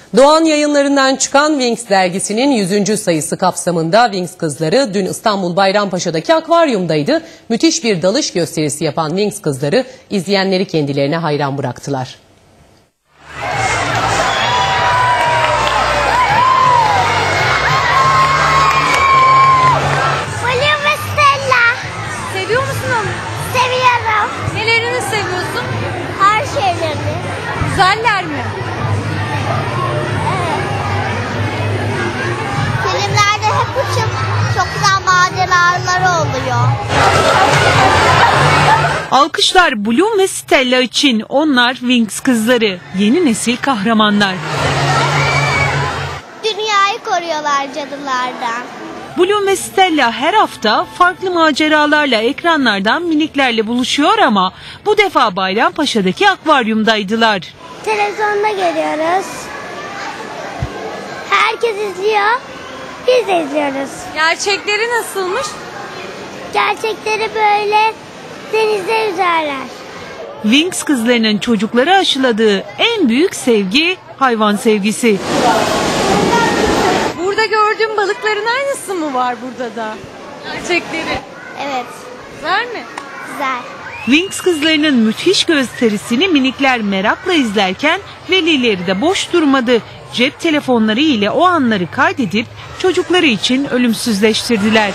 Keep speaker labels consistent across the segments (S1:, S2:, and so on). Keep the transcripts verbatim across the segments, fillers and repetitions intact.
S1: Doğan Yayınları'ndan çıkan Wings dergisinin yüzüncü sayısı kapsamında Wings kızları dün İstanbul Bayrampaşa'daki akvaryumdaydı. Müthiş bir dalış gösterisi yapan Wings kızları izleyenleri kendilerine hayran bıraktılar.
S2: Blue ve Stella.
S3: Seviyor musun onu?
S2: Seviyorum.
S3: Nelerini seviyorsun?
S2: Her şeylerini.
S3: Güzeller mi?
S2: Filmlerde hep uçup çok güzel maceralar oluyor.
S4: Alkışlar Bloom ve Stella için. Onlar Wings kızları. Yeni nesil kahramanlar.
S2: Dünyayı koruyorlar cadılardan.
S4: Bloom ve Stella her hafta farklı maceralarla ekranlardan miniklerle buluşuyor ama bu defa Bayrampaşa'daki akvaryumdaydılar.
S2: Televizyonda görüyoruz. Herkes izliyor. Biz de izliyoruz.
S3: Gerçekleri nasılmış?
S2: Gerçekleri böyle denizde yüzerler.
S4: Wings kızlarının çocuklara aşıladığı en büyük sevgi hayvan sevgisi.
S3: Burada gördüğüm balıkların aynısı mı var burada da? Gerçekleri.
S2: Evet.
S3: Güzel mi?
S2: Güzel.
S4: Wings kızlarının müthiş gösterisini minikler merakla izlerken velileri de boş durmadı. Cep telefonları ile o anları kaydedip çocukları için ölümsüzleştirdiler.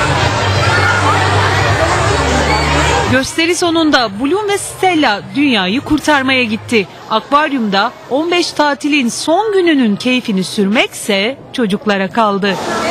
S4: Gösteri sonunda Bloom ve Stella dünyayı kurtarmaya gitti. Akvaryumda on beş tatilin son gününün keyfini sürmekse çocuklara kaldı.